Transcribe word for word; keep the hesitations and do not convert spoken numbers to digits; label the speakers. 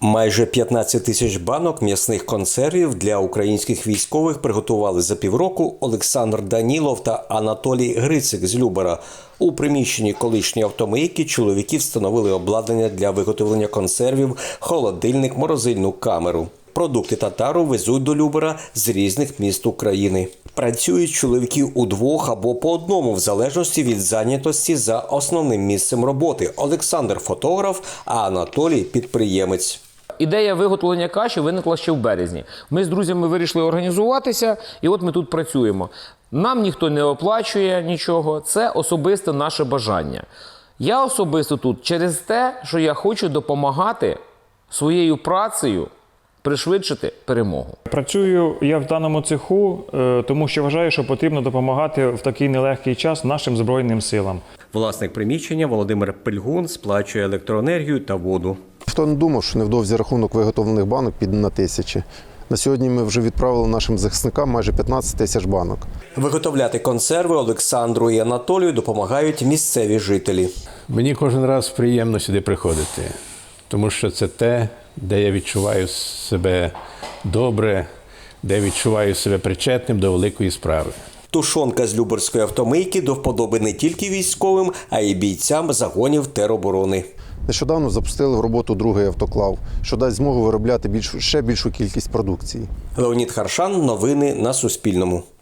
Speaker 1: Майже п'ятнадцять тисяч банок м'ясних консервів для українських військових приготували за півроку Олександр Данілов та Анатолій Грицик з Любара. У приміщенні колишньої автомийки чоловіки встановили обладнання для виготовлення консервів, холодильник, морозильну камеру. Продукти татару везуть до Любара з різних міст України. Працюють чоловіки удвох або по одному, в залежності від зайнятості за основним місцем роботи. Олександр – фотограф, а Анатолій – підприємець.
Speaker 2: Ідея виготовлення каші виникла ще в березні. Ми з друзями вирішили організуватися, і от ми тут працюємо. Нам ніхто не оплачує нічого, це особисте наше бажання. Я особисто тут через те, що я хочу допомагати своєю працею пришвидшити перемогу.
Speaker 3: Працюю я в даному цеху, тому що вважаю, що потрібно допомагати в такий нелегкий час нашим Збройним силам.
Speaker 1: Власник приміщення Володимир Пельгун сплачує електроенергію та воду.
Speaker 4: Хто не думав, що невдовзі рахунок виготовлених банок піде на тисячі. На сьогодні ми вже відправили нашим захисникам майже п'ятнадцять тисяч банок.
Speaker 1: Виготовляти консерви Олександру і Анатолію допомагають місцеві жителі.
Speaker 5: Мені кожен раз приємно сюди приходити, тому що це те, де я відчуваю себе добре, де відчуваю себе причетним до великої справи.
Speaker 1: Тушонка з Любарської автомийки до вподоби не тільки військовим, а й бійцям загонів тероборони.
Speaker 4: Нещодавно запустили в роботу другий автоклав, що дасть змогу виробляти більшу, ще більшу кількість продукції.
Speaker 1: Леонід Харшан. Новини на Суспільному.